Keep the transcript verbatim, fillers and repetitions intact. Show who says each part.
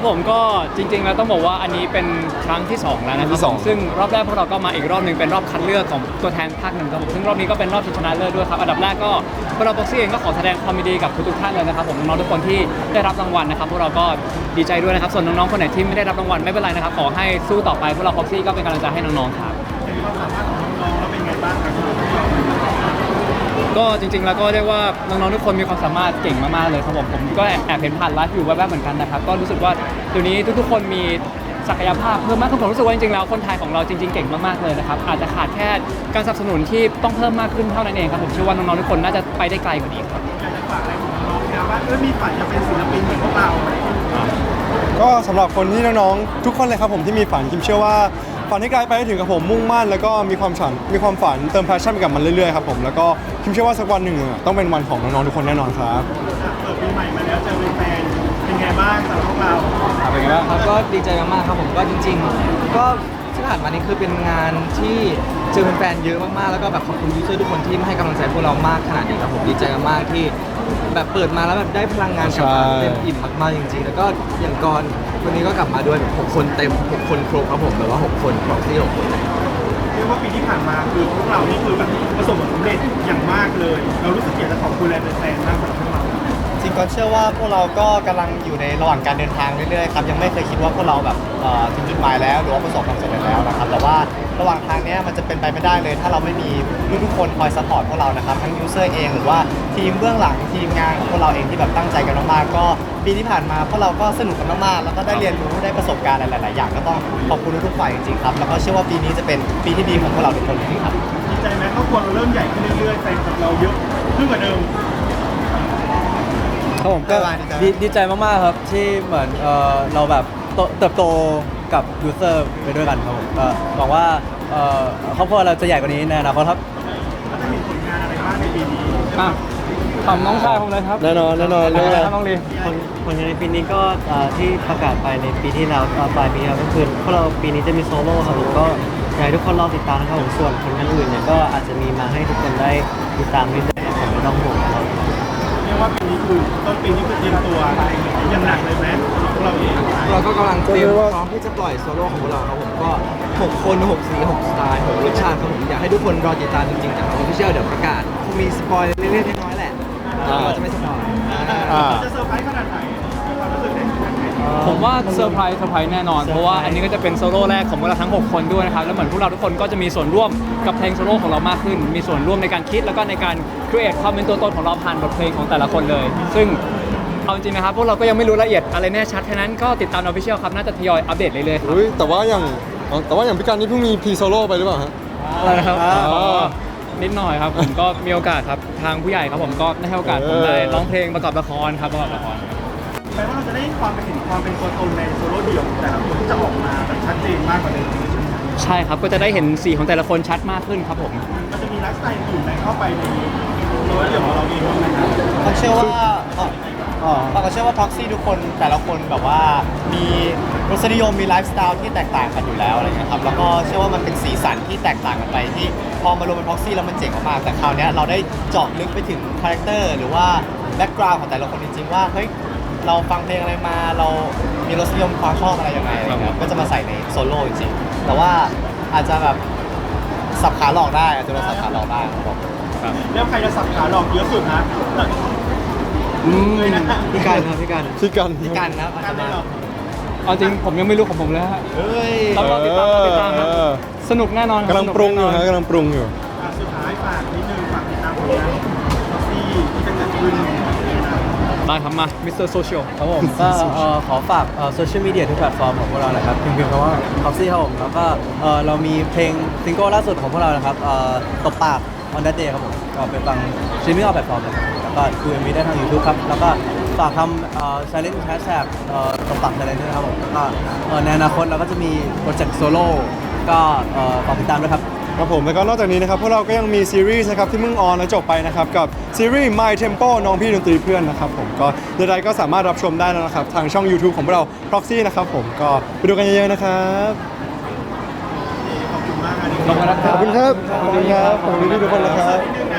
Speaker 1: ผมก็จริงๆแล้วต้องบอกว่าอันนี้เป็นครั้งที่สองแล้วนะครับผมซึ่งรอบแรกพวกเราก็มาอีกรอบหนึ่งเป็นรอบคัดเลือกของตัวแทนภาคหนึ่งครับผมซึ่งรอบนี้ก็เป็นรอบชิงชนะเลิศด้วยครับอันดับแรกก็พวกเราบ็อกซี่เองก็ขอแสดงความยินดีกับทุกๆท่านเลยนะครับผมน้องๆทุกคนที่ได้รับรางวัลนะครับพวกเราก็ดีใจด้วยนะครับส่วนน้องๆคนไหนที่ไม่ได้รับรางวัลไม่เป็นไรนะครับขอให้สู้ต่อไปพวกเราบ็อกซี่ก็เป็นกำลังใจให้น้องๆครับ
Speaker 2: ความสามารถของน้องๆแล้วเป็นไงบ้างครับ
Speaker 1: ก็จริงๆแล้วก็เรียกว่าน้องๆทุกคนมีความสามารถเก่งมากๆเลยครับผมผมก็แอบเห็นผ่านไลฟ์อยู่แวบๆเหมือนกันนะครับก็รู้สึกว่าเดี๋ยวนี้ทุกๆคนมีศักยภาพเพิ่มมากขึ้นผมรู้สึกว่าจริงๆแล้วคนไทยของเราจริงๆเก่งมากๆเลยนะครับอาจจะขาดแค่การสนับสนุนที่ต้องเพิ่มมากขึ้นเท่านั้นเองครับผมเชื่อว่าน้องๆทุกคนน่าจะไปได้ไกลกว่านี้ครับ
Speaker 2: อยากจะฝากอะไรของน้องๆนะว่าเออมีฝันจะเป็นศิลปินเหมือนพวกเรา
Speaker 3: ก็สำหรับคนที่น้องๆทุกคนเลยครับผมที่มีฝันคิมเชื่อว่าฝันให้ไกลไปให้ถึงกับผมมุ่งมั่นแล้วก็มีความฝันมีความฝันเติมแพชชั่นไปกับมันเรื่อยๆครับผมแล้วก็คิมเชื่อว่าสักวันหนึ่งต้องเป็นวันของน้องๆทุกคนแน่นอนครับ
Speaker 2: เปิดปีใหม่มาแล้วเจอแฟนเป็นไงบ้างสำหรับพวกเรา
Speaker 1: เป็นไงบ้าง
Speaker 4: ครับก็ดีใจมากๆครับผมก็จริงๆก็ที่ผ่านมานี้คือเป็นงานที่เจอแฟนๆเยอะมากๆแล้วก็แบบขอบคุณยูเซอร์ทุกคนที่ให้กำลังใจพวกเรามากขนาดนี้ครับผมดีใจมากๆที่แบบเปิดมาแล้วแบบได้พลังงานกลับมาเต็มอิ่มมากๆจริงๆแล้วก็อย่างก่อนวันนี้ก็กลับมาด้วยแบบหกคนเต็มหกคนครบครับผมแบบว่าหกคนครบที่หกคน
Speaker 2: เรียกว่าปีที่ผ่านมาคือพวกเรานี่คือแบบประสบผลสำเร็จอย่างมากเลยเรารู้สึกอยากจะขอบคุณแฟนๆมากสำหรับพวกเรา
Speaker 5: จริงก็เชื่อว่าพวกเราก็กำลังอยู่ในระหว่างการเดินทางเรื่อยๆครับยังไม่เคยคิดว่าพวกเราแบบถึงจุดหมายแล้วหรือว่าประสบความสำเร็จแล้วนะครับแต่ว่าระหว่างทางนี้มันจะเป็นไปไม่ได้เลยถ้าเราไม่มีทุกๆคนคอยซัพพอร์ตพวกเรานะครับทั้งยูเซอร์เองหรือว่าทีมเบื้องหลังทีมงานของพวกเราเองที่แบบตั้งใจกันมากๆก็ปีที่ผ่านมาพวกเราก็สนุกกันมากๆแล้วก็ได้เรียนรู้ได้ประสบการณ์หลายๆอย่างก็ต้องขอบคุณทุกๆฝ่ายจริงๆครับแล้วก็เชื่อว่าปีนี้จะเป็นปีที่ดีของพวกเราทุกคนจริงๆครับ
Speaker 2: ดีใจไหมครอบครัวเราเริ่มใหญ่ขึ้นเรื่อยๆแฟนคลับเราเยอะขึ้นกว่าเดิม
Speaker 4: ครับผมก็ดีดีใจมากๆครับที่เหมือนเออเราแบบเติบโตกับยูเซอร์ไปด้วยกันครับผมก็หวังว่าเออครอบครัวเราจะใหญ่กว่านี้ในอนาคตครับ
Speaker 2: แล้วจะมีผลงานอะไรบ้างในปีนี้
Speaker 1: อ่ะทำน้องชายผมเลยครับ
Speaker 3: แน่นอนแน่นอน
Speaker 1: เรื่องอะไรน้องลี
Speaker 5: ผลงานในปีนี้ก็ที่ประกาศไปในปีที่แล้วปลายปีแล้วก็คือพวกเราปีนี้จะมีโซโล่ครับผมก็อยากให้ทุกคนรอติดตามนะครับผมส่วนผลงานอื่นเนี่ยก็อาจจะมีมาให้ทุกคนได้ติดตามเรื่อยๆผมไม่ต้องห่วงครับ
Speaker 2: เรียกว่าปีนี้คือต้นปีนี้คือเตรียมตัวอย่างหนักเลยไหมพวกเราเอง
Speaker 4: เราก็กำลังเตรียมพร้อมที่จะปล่อยโซโล่ของพวกเราครับผมก็หกคนหกสีหกสไตล์หกรสชาติครับผมอยากให้ทุกคนรอติดตามจริงๆจากออฟฟิเชียลเดี๋ยวประกาศคงมีสปอยเล็กๆน้อยๆแหละเราจะไม่สปอย
Speaker 2: จะเซอร์ไพรส์ขนาดไหนความรู้สึกไหน
Speaker 1: ผมว่าเซอร์ไพรส์เซอร์ไพรส์แน่นอนเพราะว่าอันนี้ก็จะเป็นโซโล่แรกของพวกเราทั้งหกคนด้วยนะครับแล้วเหมือนพวกเราทุกคนก็จะมีส่วนร่วมกับเพลงโซโล่ของเรามากขึ้นมีส่วนร่วมในการคิดแล้วก็ในการ create ความเป็นตัวตนของเราผ่านบทเพลงของแต่ละคนเลยซึ่งเอาจริงนะครับพวกเราก็ยังไม่รู้ละเอียดอะไรแน่ชัดแค่นั้นก็ติดตาม Official ครับน่าจะทยอยอัปเดตเรื่อยๆครับ
Speaker 3: แต่ว่าอย่างแต่ว่าอย่างพี่การนี่เพิ่งมีพรีโซโล่ไปหรือเปล่าฮะ
Speaker 1: อะไรนะครับนิดหน่อยครับผมก็มีโอกาสครับทางผู้ใหญ่ครับผมก็ได้ให้โอกาสผมได้ร้องเพลงประกอบละครครับประกอบละคร
Speaker 2: แปลว่าเราจะได้ความเป็นเห็นความเป็นตัวตนในโซโล่เดี่ยวแต่ละคนที่จะออกมาแบบชัดเจนมากกว่าเดิม
Speaker 1: ใช่ครับก็จะได้เห็นสีของแต่ละคนชัดมากขึ้นครับผม
Speaker 2: มันจะมีไลฟ์สไตล์อื่นไหนเข้าไปในโซโล่เดี่ยวของเราเองบ้างไหมครับ
Speaker 5: ผมเชื่อว่าเราก็เชื่อว่าพ็อกซี่ทุกคนแต่ละคนแบบว่ามีรสนิยมมีไลฟ์สไตล์ที่แตกต่างกันอยู่แล้วอะไรเงี้ยครับแล้วก็เชื่อว่ามันเป็นสีสันที่แตกต่างกันไปที่พอมารวมเป็นพ็อกซี่แล้วมันเจ๋งมากๆแต่คราวนี้เราได้เจาะลึกไปถึงคาแรคเตอร์หรือว่าแบ็กกราวด์ของแต่ละคนจริงๆว่าเฮ้ยเราฟังเพลงอะไรมาเรามีรสนิยมความชอบอะไรยังไงอะไรเงี้ยก็จะมาใส่ในโซโล่จริงๆแต่ว่าอาจจะแบบสับขาหลอกได้อาจจะโดนสับขาหลอกได้ครับ
Speaker 2: แล้วใครจะสับขาหลอกเยอะสุดนะ
Speaker 5: พี่กันครับพี่กัน
Speaker 3: พี่กัน
Speaker 5: พี่กันนะอาจจะมา
Speaker 1: เอาจริงผมยังไม่รู้ของผมเลยฮะ
Speaker 5: เฮ้ย
Speaker 1: เราติดตามติดตามครับสนุกแน่นอน
Speaker 3: กำลังปรุงอยู่ฮะกำลังปรุงอยู่
Speaker 2: สุดท้ายฝากนิดนึงฝากติดตามผลงานท็อกซี่ที่จะเกิดขึ้น
Speaker 1: ได้ครับมามิสเตอร์โซเชียล
Speaker 4: ครับผมก็ขอฝากโซเชียลมีเดียทุกแพลตฟอร์มของพวกเรานะครับพิมพ์คำว่าท็อกซี่ครับผมแล้วก็เรามีเพลงซิงเกิลล่าสุดของพวกเรานะครับตบปาก on that day ครับผมก็ไปฟังสตรีมมิ่งออฟแพลตฟอร์มเลยแล้วก็ดู เอ็ม วี ได้ทาง YouTube ครับแล้วก็ฝากทำ challenge hashtag ตบปาก challenge ด้วยนะครับผมแล้วก็ในอนาคตเราก็จะมีโปรเจกต์โซโล่ก็ฝากติดตามด้วยครับ
Speaker 3: ครับผมแล้วก็นอกจากนี้นะครับพวกเราก็ยังมีซีรีส์นะครับที่เพิ่งออนและจบไปนะครับกับซีรีส์ My Tempo น้องพี่ดนตรีเพื่อนนะครับผมก็ใดๆก็สามารถรับชมได้แล้วนะครับทางช่อง YouTube ของพวกเรา Proxy นะครับผมก็ไปดูกันเยอะๆนะครับ
Speaker 2: ขอบคุณมาก
Speaker 1: ขอบคุณครับ
Speaker 3: ขอบคุณครับขอบคุณครับขอบคุณพี่ทุกคนนะครับ